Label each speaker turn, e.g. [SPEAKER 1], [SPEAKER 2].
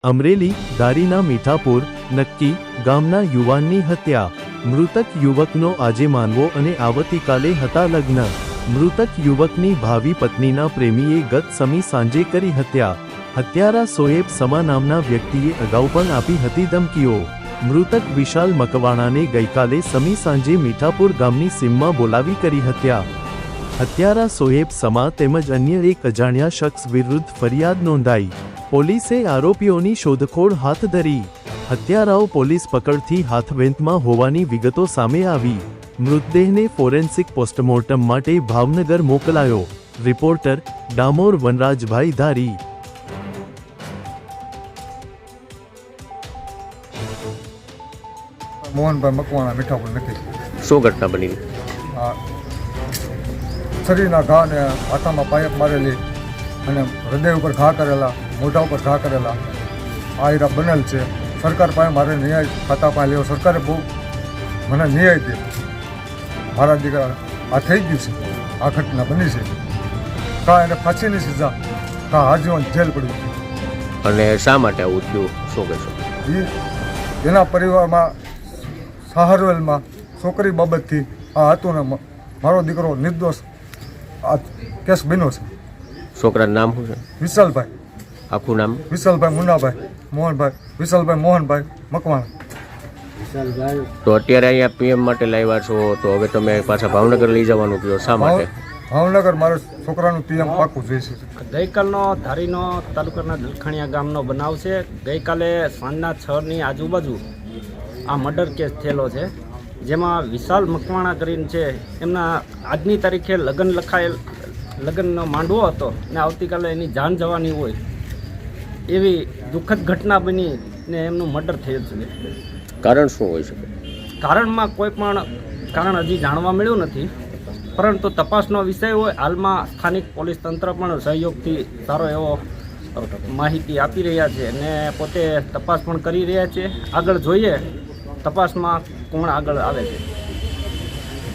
[SPEAKER 1] અમરેલી દારીના મીઠાપુર નક્કી ગામના યુવાનની હત્યા। મૃતક યુવકનો આજે માનવો અને આવતીકાલે હતા લગ્ન। મૃતક યુવકની ભાવિ પત્નીના પ્રેમીએ ગત સમી સાંજે કરી હત્યા। હત્યારા સોએબ સમા નામના વ્યક્તિએ અગાઉ પણ આપી હતી ધમકીઓ। મૃતક વિશાલ મકવાણાને ગઈકાલે સમી સાંજે મીઠાપુર ગામની સીમમાં બોલાવી કરી હત્યા। હત્યારા સોએબ સમા તેમજ અન્ય એક અજાણ્યા શખ્સ વિરુદ્ધ ફરિયાદ નોંધાઈ। પોલીસે આરોપીઓની શોધખોળ હાથ ધરી। હત્યારાઓ પોલીસ પકડથી હાથવેંતમાં હોવાની વિગતો સામે આવી। મૃતદેહને ફોરેન્સિક પોસ્ટમોર્ટમ માટે ભાવનગર મોકલાયો। રિપોર્ટર ડામોર વનરાજભાઈ ધારી।
[SPEAKER 2] મોહનભાઈ મકવાણા મીઠાપુર નક્કી।
[SPEAKER 3] શું ઘટના બની?
[SPEAKER 2] શરીરના ઘા ને હાથામાં પાયપ મારેલી અને હૃદય ઉપર ઘા કરેલા, મોઢા ઉપર ઘા કરેલા આ હીરા બનેલ છે। સરકાર પાસે મારે ન્યાય ખાતા પાસે લેવો। સરકારે બહુ મને ન્યાય દે। મારા દીકરા આ થઈ ગયું છે, આ ઘટના બની છે। કા એને ફાંસીની સજા, કા આજીવન જેલ પડી છે।
[SPEAKER 3] અને શા માટે આવું થયું, શું કહેશો?
[SPEAKER 2] એના પરિવારમાં સહારવેલમાં છોકરી બાબતથી આ હતું ને મારો દીકરો નિર્દોષ આ કેસ બન્યો છે।
[SPEAKER 3] છોકરાનું નામ શું છે?
[SPEAKER 2] વિશાલભાઈ।
[SPEAKER 3] આખું નામ?
[SPEAKER 2] વિશાલભાઈ મુન્નાભાઈ મોહનભાઈ, વિશાલભાઈ મોહનભાઈ મકવાણા।
[SPEAKER 3] તો અત્યારે અહીંયા પીએમ માટે લાવ્યા છો, તો હવે તમે પાછા ભાવનગર લઈ જવાનું કહો, શા માટે?
[SPEAKER 2] ભાવનગર મારે છોકરાનું પીએમ પાકું જોઈશે।
[SPEAKER 4] ગઈકાલનો ધારીનો તાલુકાના દલખણીયા ગામનો બનાવ છે। ગઈકાલે સાંજના 6ની આજુબાજુ આ મર્ડર કેસ થયેલો છે, જેમાં વિશાલ મકવાણા કરીને છે, એમના આજની તારીખે લગ્નનો માંડવો હતો ને આવતીકાલે એની જાન જવાની હોય એવી દુઃખદ ઘટના બની ને એમનું મર્ડર થયેલ છે।
[SPEAKER 3] કારણ શું હોઈ શકે?
[SPEAKER 4] કારણમાં કોઈ પણ કારણ હજી જાણવા મળ્યું નથી, પરંતુ તપાસનો વિષય હોય। હાલમાં સ્થાનિક પોલીસ તંત્ર પણ સહયોગથી સારો એવો માહિતી આપી રહ્યા છે અને પોતે તપાસ પણ કરી રહ્યા છે। આગળ જોઈએ તપાસમાં કોણ આગળ આવે છે।